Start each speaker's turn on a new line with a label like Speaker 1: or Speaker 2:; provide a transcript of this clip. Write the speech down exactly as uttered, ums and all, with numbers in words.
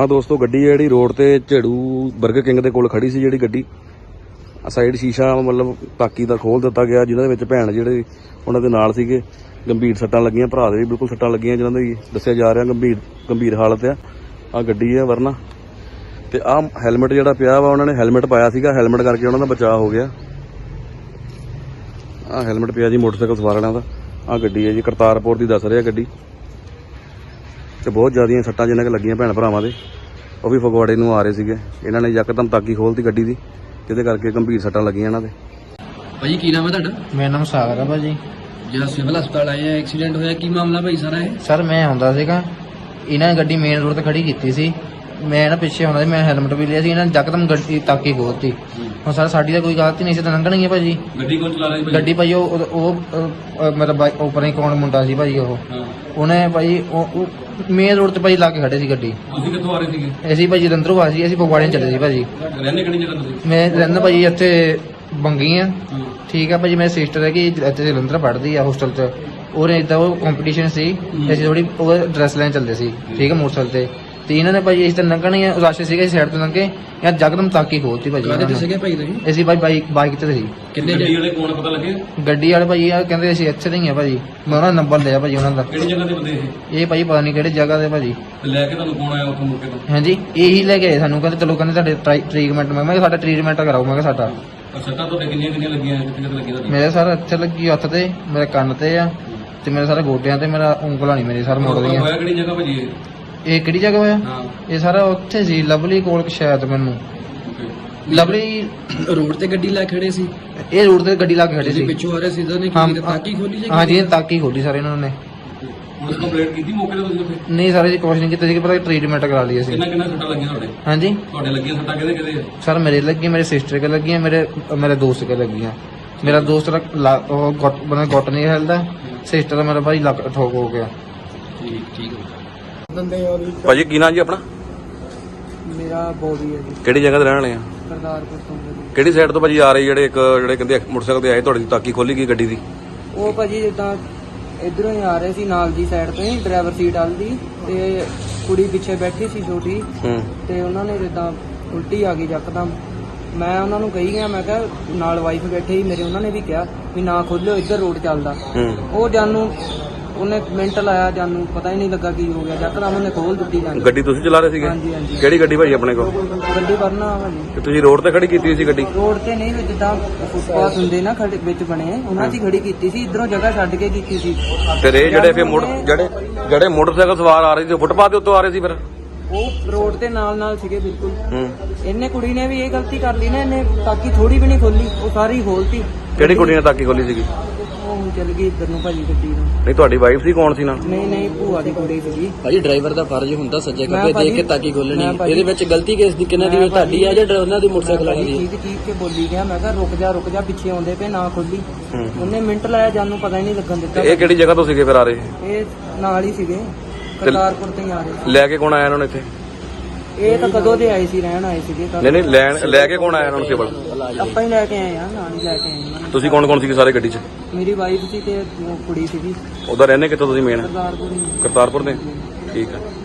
Speaker 1: हाँ दोस्तों गड्डी है जी रोड ते झेड़ू बर्गर किंग दे कोल खड़ी सी जी गड्डी साइड शीशा मतलब ताकी दा खोल दिता गया जिन्हां दे विच भैण जिहड़े उन्हां दे नाल सीगे गंभीर सट्टां लगियां भरा दे भी बिल्कुल सट्टां लगियां जिन्हां दी दस्सिया जा रहा गंभीर गंभीर हालत है। आ गड्डी है वरना ते आ हैलमेट जिहड़ा पिया वा उन्होंने हैलमेट पाया सीगा हैलमेट करके उन्हां दा बचाव हो गया। आ हैलमेट पिया जी मोटरसाइकिल सवारां दा। आ गड्डी है जी करतारपुर दी दस रहा गड्डी ते बहुत ज़्यादा सट्टां जिन्हां के लगियां भैन भरावां दे वो भी फगवाड़े नूं आ रहे सीगे इन्हां ने यकदम ताकी खोलती गड्डी दी जिहदे करके गंभीर सट्टां लगियां इन्हां दे।
Speaker 2: भाजी की नाम है तुहाडा?
Speaker 3: मेरा नाम सागर है भाजी।
Speaker 2: ਜਿਹੜਾ ਸਿਵਲ ਹਸਪਤਾਲ ਆਏ ਆ ਐਕਸੀਡੈਂਟ ਹੋਇਆ ਕੀ ਮਾਮਲਾ ਭਾਈ ਸਾਰਾ ਇਹ?
Speaker 3: ਸਰ ਮੈਂ ਆਉਂਦਾ ਸੀਗਾ ਇਹਨਾਂ ਨੇ ਗੱਡੀ ਮੇਨ ਰੋਡ ਤੇ ਖੜੀ ਕੀਤੀ ਸੀ ਮੈਂ ਨਾ ਪਿੱਛੇ ਆਉਂਦਾ ਸੀ ਮੈਂ ਹੈਲਮਟ ਵੀ ਲਿਆ ਸੀ ਇਹਨਾਂ ਨੇ ਯਕਦਮ ਗੱਡੀ ਤਾਕੀ ਖੋਲਤੀ। ਹੁਣ ਸਰ ਸਾਡੀ ਤਾਂ ਕੋਈ ਗਲਤੀ ਨਹੀਂ ਸੀ ਤਾਂ ਲੰਘਣੀ ਹੈ ਭਾਜੀ।
Speaker 2: ਗੱਡੀ ਕੌਣ ਚਲਾ ਰਿਹਾ ਸੀ?
Speaker 3: ਗੱਡੀ ਭਾਜੀ ਉਹ ਉਹ ਮੇਰਾ ਬਾਈਕ ਉੱਪਰ ਹੀ ਕੌਣ ਮੁੰਡਾ ਸੀ ਭਾਜੀ ਉਹ ਉਹਨੇ ਭਾਜੀ ਉਹ ਮੇਨ ਰੋਡ ਤੇ ਭਾਜੀ ਲਾ ਕੇ ਖੜੇ ਸੀ ਗੱਡੀ।
Speaker 2: ਤੁਸੀਂ ਕਿੱਥੋਂ ਆ ਰਹੇ ਸੀਗੇ?
Speaker 3: ਅਸੀਂ ਭਾਜੀ ਜਲੰਧਰੋਂ ਆ ਸੀ ਅਸੀਂ ਫਗਵਾੜੇ ਚੱਲੇ ਸੀ ਭਾਜੀ।
Speaker 2: ਰਹਿੰਦੇ ਕਿਹੜੀ ਜਗ੍ਹਾ ਤੁਸੀਂ?
Speaker 3: ਮੈਂ ਰਹਿੰਦਾ ਭਾਜੀ ਇੱਥੇ ਬੰਗੀ ਆ ਠੀਕ ਆ ਭਾਜੀ। ਮੇਰੀ ਸਿਸਟਰ ਹੈ ਕਿ ਇੱਥੇ ਜਲੰਧਰ ਪੜ੍ਹਦੀ ਆ ਹੋਸਟਲ 'ਚ ਉਹਨੇ ਇਦਾਂ ਉਹ ਕੰਪੀਟੀਸ਼ਨ ਸੀ ਅਸੀਂ ਥੋੜੀ ਉਹ ਡਰੈਸ ਲੈਣ ਚੱਲਦੇ ਸੀ ਠੀਕ ਹੈ ਮੋਟਰਸਾਈਕਲ ਤੇ ਤੇ ਇਹਨਾਂ ਨੇ ਭਾਜੀ ਇਸ ਤੇ ਲੰਘਣੀ ਰਸ਼ ਸੀਗਾ ਸਾਈਡ ਤੋਂ ਲੰਘੇ ਯਾਰ ਜਕਦਮ ਤਾਕੀ ਖੋਲਤੀ ਭਾਜੀ।
Speaker 2: ਕਾਹਦੇ ਤੇ ਸੀਗੇ ਭਾਈ ਤੁਸੀਂ?
Speaker 3: ਅਸੀਂ ਭਾਈ ਬਾਈਕ ਬਾਈਕ ਤੇ ਸੀ।
Speaker 2: ਕਿੰਨੇ ਗੱਡੀ ਵਾਲੇ ਕੋਣ ਪਤਾ ਲੱਗੇ?
Speaker 3: ਗੱਡੀ ਵਾਲੇ ਭਾਜੀ ਆ ਕਹਿੰਦੇ ਅਸੀਂ ਇੱਥੇ ਦੇ ਹੀ ਆ ਭਾਜੀ। ਮੈਂ ਉਹਨਾਂ ਦਾ ਨੰਬਰ ਲਿਆ ਭਾਜੀ ਉਹਨਾਂ ਦਾ।
Speaker 2: ਕਿਹੜੀ ਜਗ੍ਹਾ ਤੇ ਬੰਦੇ ਇਹ?
Speaker 3: ਇਹ ਭਾਜੀ ਪਤਾ ਨਹੀਂ ਕਿਹੜੀ ਜਗ੍ਹਾ ਤੇ ਭਾਜੀ।
Speaker 2: ਤੇ ਲੈ ਕੇ ਤੁਹਾਨੂੰ ਕੌਣ ਆਇਆ ਉੱਥੋਂ ਮੌਕੇ ਤੋਂ?
Speaker 3: ਹਾਂਜੀ ਇਹੀ ਲੈ ਕੇ ਆਏ ਸਾਨੂੰ ਕਹਿੰਦੇ ਚਲੋ ਕਹਿੰਦੇ ਤੁਹਾਡੇ ਟ੍ਰੀਟਮੈਂਟ ਮੈਂ ਕਿਹਾ ਸਾਡਾ ਟ੍ਰੀਟਮੈਂਟ ਕਰਾਓ ਮੈਂ ਕਿਹਾ ਸਾਡਾ।
Speaker 2: ਸੱਟਾਂ ਤੁਹਾਡੇ ਕਿੰਨੀਆਂ ਕਿੰਨੀਆਂ ਲੱਗੀਆਂ ਕਿੱਥੇ ਕਿੱਥੇ ਲੱਗੀਆਂ ਤੁਹਾਡੇ?
Speaker 3: ਮੇਰੇ ਸਰ ਇੱਥੇ ਲੱਗੀ ਹੱਥ ਤੇ ਮੇਰੇ ਕੰਨ ਤੇ ਆ ਤੇ ਮੇਰੇ ਸਾਰੇ ਗੋਡਿਆਂ ਤੇ ਮੇਰਾ ਉਂਗਲਾਂ ਨਹੀਂ ਮੇਰੇ ਸਰ ਮੁੜਦੀਆਂ।
Speaker 2: ਹੋਇਆ ਕਿਹੜੀ ਜਗ੍ਹਾ ਭਾਜੀ ਇਹ?
Speaker 3: ਇਹ ਕਿਹੜੀ ਜਗ੍ਹਾ ਹੋਇਆ?
Speaker 2: ਹਾਂ
Speaker 3: ਇਹ ਸਾਰਾ ਉੱਥੇ ਸੀ ਲਵਲੀ ਕੋਲ ਸ਼ਾਇਦ ਮੈਨੂੰ ਲਵਲੀ
Speaker 2: ਰੋਡ ਤੇ ਗੱਡੀ ਲੈ ਖੜੇ ਸੀ।
Speaker 3: ਇਹ ਰੋਡ ਤੇ ਗੱਡੀ ਲਾ ਕੇ ਖੜੇ ਸੀ
Speaker 2: ਪਿੱਛੋਂ ਆ ਰਹੇ ਸੀ ਤਾਂ ਨੇ
Speaker 3: ਹਾਂ
Speaker 2: ਕੀ ਤਾਕੀ ਖੋਲੀ ਜੀ?
Speaker 3: ਹਾਂ ਜੀ ਤਾਕੀ ਖੋਲੀ ਸਾਰੇ ਇਹਨਾਂ ਨੇ।
Speaker 2: ਹੁਣ ਕੰਪਲੇਂਟ ਕੀਤੀ ਮੌਕੇ ਤੇ ਤੁਸੀਂ ਉੱਥੇ?
Speaker 3: ਨਹੀਂ ਸਾਰੇ ਜੀ ਕੁਛ ਨਹੀਂ ਕੀਤਾ ਸੀ ਪਰ ਟ੍ਰੀਟਮੈਂਟ ਕਰਾ ਲਈ ਅਸੀਂ।
Speaker 2: ਕਿੰਨਾ ਕਿੰਨਾ ਸੱਟਾਂ ਲੱਗੀਆਂ ਤੁਹਾਡੇ?
Speaker 3: ਹਾਂਜੀ
Speaker 2: ਤੁਹਾਡੇ ਲੱਗੀਆਂ ਸੱਟਾਂ ਕਿਹਦੇ ਕਿਹਦੇ?
Speaker 3: ਸਰ ਮੇਰੇ ਲੱਗੀ ਮੇਰੇ ਸਿਸਟਰ ਕੇ ਲੱਗੀਆਂ ਮੇਰੇ ਮੇਰੇ ਦੋਸਤ ਕੇ ਲੱਗੀਆਂ। ਮੇਰਾ ਦੋਸਤ ਦਾ ਲਾ- ਉਹ ਗੁੱਟ ਬਣਾ ਗੁੱਟ ਨਹੀਂ ਹਿਲਦਾ ਸਿਸਟਰ ਦਾ ਮੇਰਾ ਭਾਈ ਲੱਕ ਠੋਕ ਹੋ ਗਿਆ।
Speaker 2: ਠੀਕ ਠੀਕ ਹੈ
Speaker 1: ਭਾਜੀ ਕੀ ਨਾਂ ਜੀ ਆਪਣਾ?
Speaker 3: ਮੇਰਾ ਬੋਡੀ ਹੈ ਜੀ
Speaker 1: ਕਿਹੜੀ ਜਗ੍ਹਾ ਤੇ ਰਹਿਣ ਵਾਲੇ ਆ?
Speaker 3: ਕਰਤਾਰਪੁਰ ਤੋਂ
Speaker 1: ਕਿਹੜੀ ਸਾਈਡ ਤੋਂ ਭਾਜੀ ਆ ਰਹੇ ਜਿਹੜੇ ਇੱਕ ਜਿਹੜੇ ਕਹਿੰਦੇ ਮੋਟਰਸਾਈਕਲ ਤੇ ਆਏ ਤੁਹਾਡੀ ਤਾਕੀ ਖੋਲੀ ਗਈ ਗੱਡੀ ਦੀ?
Speaker 3: ਉਹ ਭਾਜੀ ਜਿੱਦਾਂ ਇਧਰੋਂ ਹੀ ਆ ਰਹੇ ਸੀ ਨਾਲ ਦੀ ਸਾਈਡ ਤੋਂ ਹੀ ਡਰਾਈਵਰ ਸੀਟ ਵਾਲੀ ਦੀ ਤੇ ਕੁੜੀ ਪਿੱਛੇ ਬੈਠੀ ਸੀ ਛੋਟੀ
Speaker 1: ਹੂੰ
Speaker 3: ਤੇ ਉਹਨਾਂ ਨੇ ਜਿੱਦਾਂ ਉਲਟੀ ਆ ਗਈ ਯਕਦਮ। ਮੈਂ ਉਹਨਾਂ ਨੂੰ ਕਹੀ ਗਿਆ ਮੈਂ ਕਿਹਾ ਨਾਲ ਵਾਈਫ ਬੈਠੇ ਸੀ ਮੇਰੇ ਉਹਨਾਂ ਨੇ ਵੀ ਕਿਹਾ ਵੀ ਨਾ ਖੋਲਿਓ ਇੱਧਰ ਰੋਡ ਚੱਲਦਾ।
Speaker 1: ਹੂੰ
Speaker 3: ਉਹ ਜਾਨੂੰ ਉਹਨੇ ਮਿੰਟ ਲਾਇਆ ਜਾਨੂੰ ਪਤਾ ਹੀ ਨਹੀਂ ਲੱਗਾ ਕੀ ਹੋ ਗਿਆ ਯਕਦਮ ਉਹਨੇ ਖੋਲ ਦਿੱਤੀ ਜਾਨੂੰ।
Speaker 1: ਗੱਡੀ ਤੁਸੀਂ ਚਲਾ ਰਹੇ ਸੀਗੇ?
Speaker 3: ਹਾਂਜੀ ਹਾਂਜੀ
Speaker 1: ਕਿਹੜੀ ਗੱਡੀ ਭਾਜੀ ਆਪਣੇ ਕੋਲ?
Speaker 3: ਗੱਡੀ ਵਰਨਾ ਭਾਜੀ
Speaker 1: ਤੇ ਤੁਸੀਂ ਰੋਡ ਤੇ ਖੜੀ ਕੀਤੀ ਸੀ ਗੱਡੀ?
Speaker 3: ਰੋਡ ਤੇ ਨਹੀਂ ਜਿੱਦਾਂ ਫੁੱਟਪਾਥ ਹੁੰਦੇ ਨਾ ਖੜੇ ਵਿੱਚ ਬਣੇ ਉਹਨਾਂ 'ਚ ਹੀ ਖੜੀ ਕੀਤੀ ਸੀ ਇਧਰੋਂ ਜਗ੍ਹਾ ਛੱਡ ਕੇ ਕੀਤੀ ਸੀ।
Speaker 1: ਫਿਰ ਇਹ ਜਿਹੜੇ ਫਿਰ ਮੋਟਰ ਜਿਹੜੇ ਜਿਹੜੇ ਮੋਟਰਸਾਈਕਲ ਸਵਾਰ ਆ ਰਹੇ ਸੀ ਫੁੱਟਪਾਥ ਦੇ ਉੱਤੋਂ ਆ ਰਹੇ ਸੀ ਫਿਰ?
Speaker 3: ਉਹ ਰੋਡ ਤੇ ਨਾਲ ਨਾਲ ਸੀਗੇ ਬਿਲਕੁਲ।
Speaker 1: ਹੂੰ
Speaker 3: ਇਹਨੇ ਕੁੜੀ ਨੇ ਵੀ ਇਹ ਗਲਤੀ ਕਰ ਲਈ ਨਾ ਇਹਨੇ ਤਾਕੀ ਥੋੜੀ ਵੀ ਨਹੀਂ ਖੋਲੀ ਉਹ ਸਾਰੀ ਖੋਲਤੀ।
Speaker 1: ਕਿਹੜੀ ਕੁੜੀ ਨੇ ਤਾਕੀ ਖੋਲੀ ਸੀਗੀ?
Speaker 3: ਉਹ ਹੁਣ ਚੱਲ ਗਈ ਇੱਧਰ ਨੂੰ ਭਾਜੀ ਗੱਡੀ ਨੂੰ।
Speaker 1: ਨਹੀਂ ਤੁਹਾਡੀ ਵਾਈਫ ਸੀ ਕੌਣ ਸੀ ਨਾਲ?
Speaker 3: ਨਹੀਂ ਨਹੀਂ ਭੂਆ ਦੀ ਕੁੜੀ ਸੀਗੀ।
Speaker 2: ਭਾਜੀ ਡਰਾਈਵਰ ਦਾ ਫਰਜ਼ ਹੁੰਦਾ ਸੱਜੇ
Speaker 3: ਮੈਂ
Speaker 2: ਖੱਬੇ
Speaker 3: ਭਾਜੀ-
Speaker 2: ਦੇਖ ਕੇ ਤਾਕੀ ਖੋਲਣੀ।
Speaker 3: ਮੈਂ ਭਾਜੀ-
Speaker 2: ਇਹਦੇ ਵਿੱਚ ਗਲਤੀ ਕਿਸ ਦੀ ਕਿਹਨਾਂ ਦੀ
Speaker 3: ਮੈਂ
Speaker 2: ਤੁਹਾਡੀ ਆ ਜਾਂ ਉਹਨਾਂ ਦੀ ਮੋਟਰਸਾਈਕਲ ਵਾਲੀ
Speaker 3: ਭਾਜੀ
Speaker 2: ਦੀ?
Speaker 3: ਚੀਕ ਚੀਕ ਕੇ ਬੋਲੀ ਗਿਆ ਮੈਂ ਕਿਹਾ ਰੁਕ ਜਾ ਰੁਕ ਜਾ ਪਿੱਛੇ ਆਉਂਦੇ ਪਏ ਨਾ ਖੋਲੀ।
Speaker 1: ਹੂੰ
Speaker 3: ਉਹਨੇ ਮਿੰਟ ਲਾਇਆ ਜਾਨੂੰ ਪਤਾ ਹੀ ਨਹੀਂ ਲੱਗਣ ਦਿੱਤਾ।
Speaker 1: ਇਹ ਕਿਹੜੀ ਜਗ੍ਹਾ ਤੋਂ ਸੀਗੇ ਫਿਰ ਆ ਰਹੇ?
Speaker 3: ਇਹ ਨਾਲ ਹੀ ਸੀਗੇ ਕਰਤਾਰਪੁਰ ਤੋਂ ਹੀ ਆ ਰਹੇ ਸੀ।
Speaker 1: ਲੈ ਕੇ ਕੌਣ ਆਇਆ ਇਹਨਾਂ ਨੂੰ ਇੱਥੇ?
Speaker 3: ਇਹ ਤਾਂ ਕਦੋਂ ਦੇ ਆਏ ਸੀ ਰਹਿਣ ਆਏ ਸੀਗੇ ਤਾਂ
Speaker 1: ਨਹੀਂ ਨਹੀਂ ਲੈਣ ਲੈ ਕੇ ਕੌਣ ਆਇਆ ਇਹਨਾਂ ਨੂੰ ਸਿਵਲ?
Speaker 3: ਆਪਾਂ ਹੀ ਲੈ ਕੇ ਆਏ ਆ ਨਾਲ ਹੀ ਲੈ ਕੇ ਆਏ ਉਹਨਾਂ ਨੂੰ।
Speaker 1: ਤੁਸੀਂ ਕੌਣ ਕੌਣ ਸੀਗੇ ਸਾਰੇ ਗੱਡੀ 'ਚ?
Speaker 3: ਮੇਰੀ ਵਾਈਫ ਸੀ ਤੇ ਉਹ ਕੁੜੀ ਸੀਗੀ
Speaker 1: ਉਹਦਾ ਰਹਿੰਦੇ ਕਿੱਥੋਂ ਤੁਸੀਂ ਮੇਨ?
Speaker 3: ਕਰਤਾਰਪੁਰ ਹੀ।
Speaker 1: ਕਰਤਾਰਪੁਰ ਦੇ? ਠੀਕ ਹੈ।